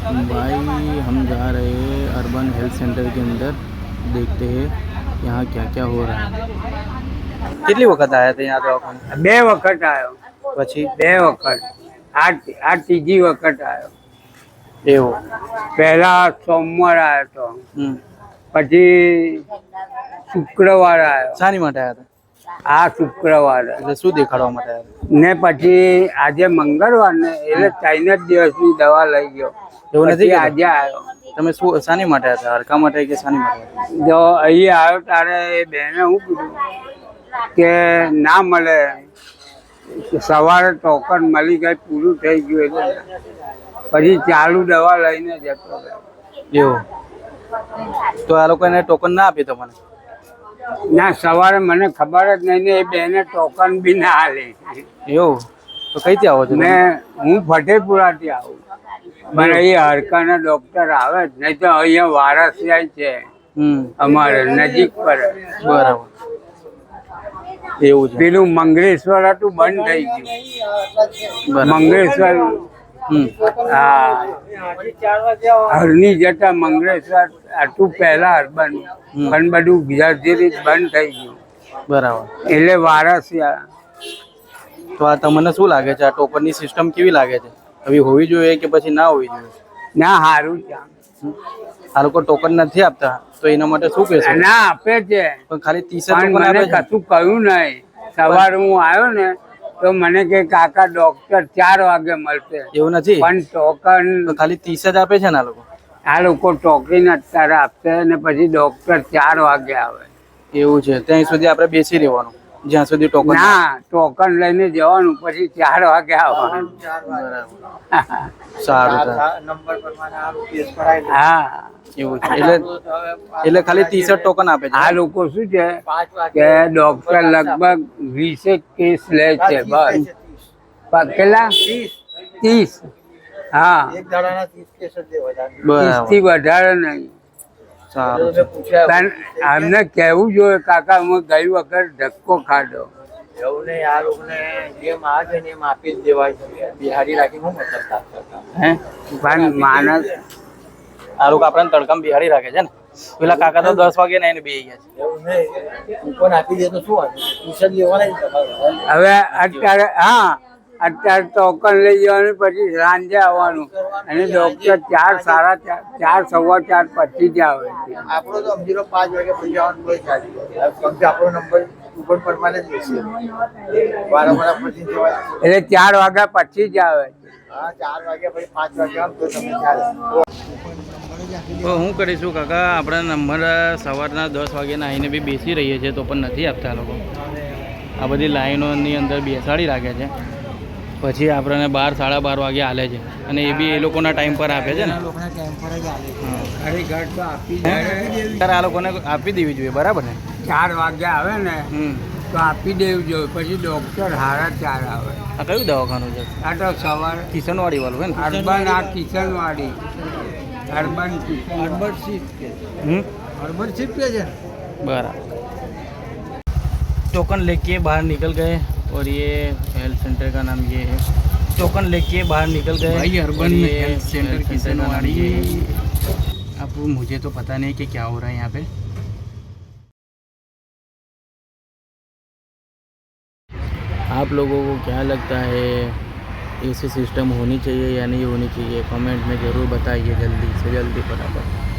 भाई हम जा रहे हैं अर्बन हेल्थ सेंटर के अंदर, देखते हैं यहाँ क्या क्या हो रहा है। કેટલી વખત આયા હતા यहाँ દવાખાને? બે વખત આવ્યો. પછી બે વખત. આ ત્રીજી વખત આવ્યો. એવું? પહેલા સોમવાર આવ્યો તો, પછી શુક્રવાર આવ્યો. શાની માટે આયા હતા? આ શુક્રવારે એટલે શું દેખાડવા માટે આયા હતા? ને પછી આજે મંગળવાર ને એટલે 3 જ દિવસની દવા લઈ ગયો. એવું નથી પછી કે આજે આવ્યો. તમે શું શાની માટે આયા હતા? હડકા માટે કે શાની માટે? જો અહીં આવ્યો તારે એ બેને હું કીધું કે ના મળે, સવારે ટોકન મળી ગઈ, પૂરું થઈ ગયું એટલે પછી ચાલુ દવા લઈને જતો રહ્યો. એવું? તો આ લોકોને ટોકન ના આપી તો મને? ના, સવારે મને ખબર જ નહીં ને એ બેને ટોકન બી ના આલી. એવું? તો કઈથી આવો છો? હું ફતેપુરાથી આવું, પણ અહીં હડકાના ડોક્ટર આવે જ નહીં તો અહીંયા વારસિયા છે અમારે નજીક પર. બરાબર, એવું છે. પેલું મંગળેશ્વર હતું, બંધ થઈ ગયું. મંગળેશ્વર, હા, હરની જતા મંગળેશ્વર હતું પહેલા અર્બન, પણ બધું ધીરે બંધ થઈ ગયું. બરાબર, એટલે વારસિયા. તો આ તમને શું લાગે છે, આ ટોકનની સિસ્ટમ કેવી લાગે છે? હવે હોવી જોઈએ કે પછી ના હોવી જોઈએ? ના, સારું છે. આ લોકો ટોકન નથી આપતા તો એના માટે શું કહેશો? ના, આપે છે, પણ ખાલી 30 પણ ટોકન મને આપે છે. કશું કહ્યું નહીં. સવારે હું આવ્યો ને તો મને કે કાકા ડોક્ટર 4 વાગે મળશે. એવું નથી, પણ ટોકન તો ખાલી 30 જ આપે છે ને આ લોકો? આ લોકો ટોકન અત્યારે આપશે ને પછી ડોક્ટર 4 વાગે આવે. એવું છે? ત્યાં સુધી આપણે બેસી રહેવાનું જ્યાં સુધી ટોકન ના, ટોકન લઈને જવાનું, પછી 4 વાગે આવવાનું. સારું. હા, એવું છે? એટલે ખાલી 30 જ ટોકન આપે છે. આ લોકો શું છે કે ડોક્ટર લગભગ 20 કેસ લે છે બસ. કેટલા? 30. હા, 30 થી વધારે નહીં. સારું. પણ આમને કહેવું જોઈએ કાકા, હું ગઈ વખત ધક્કો ખાધો. એવું નહીં, આ લોકોને જેમ આ છે ને એમ આપી જ દેવાય છે. બિહારી રાખી શું મતલબ? હે, પણ માણસ આ લોકો આપણને તડકામાં બિહાડી રાખે છે ને. પેલા કાકા તો 10 વાગે ને બેસી ગયા છે. એવું નહીં, કૂપન આપી દે તો શું વાંધો? ટ્યુશન લેવાના જ તમારે. હવે અત્યારે, હા, અત્યારે ટોકન લઈ જવાનું, પછી સાંજે આવવાનું, અને ડોક્ટર 4, 4:30, 4:15 પછી જ આવે છે. આપણો તો 5 વાગે પછી આવવાનું કોઈ ચાલી જાય. કેમ કે આપણો નંબર કૂપન પરમાને જ બેસે. વારંવાર પછી જવાય. એટલે 4 વાગ્યા પછી જ આવે છે. હા, 4 વાગ્યા પછી 5 વાગે આવ તો તમે ચાલે. તો હું કરીશું કાકા, આપણા નંબર સવારના 10 વાગ્યાના આવીને બી બેસી રહીએ છીએ તો પણ નથી આપતા લોકો. આ બધી લાઈનોની અંદર બેસાડી રાખે છે, પછી આપણને 12, 12:30 વાગે હાલે છે, અને એ બી એ લોકોના ટાઈમ પર આપે છે ને. ત્યારે આ લોકોને આપી દેવી જોઈએ, બરાબર ને? 4 વાગે આવે ને તો આપી દેવું જોઈએ, પછી ડોક્ટર 4:30 આવે. આ કયું દવાખાનું છે? આ તો સવારે કિશનવાડી વાળું છે ને? અર્બન, આ Kishanwadi, urban Kishan. Urban shift કે અર્બન શિફ્ટ કે છે. बराबर। टोकन लेके बाहर निकल गए और ये हेल्थ सेंटर का नाम ये है। टोकन लेके बाहर निकल गए भाई, अर्बन हेल्थ सेंटर किशनवाड़ी। अब मुझे तो पता नहीं कि क्या हो रहा है यहाँ पे। आप लोगों को क्या लगता है, ऐसी सिस्टम होनी चाहिए या नहीं होनी चाहिए? कमेंट में ज़रूर बताइए जल्दी से जल्दी फटाफट।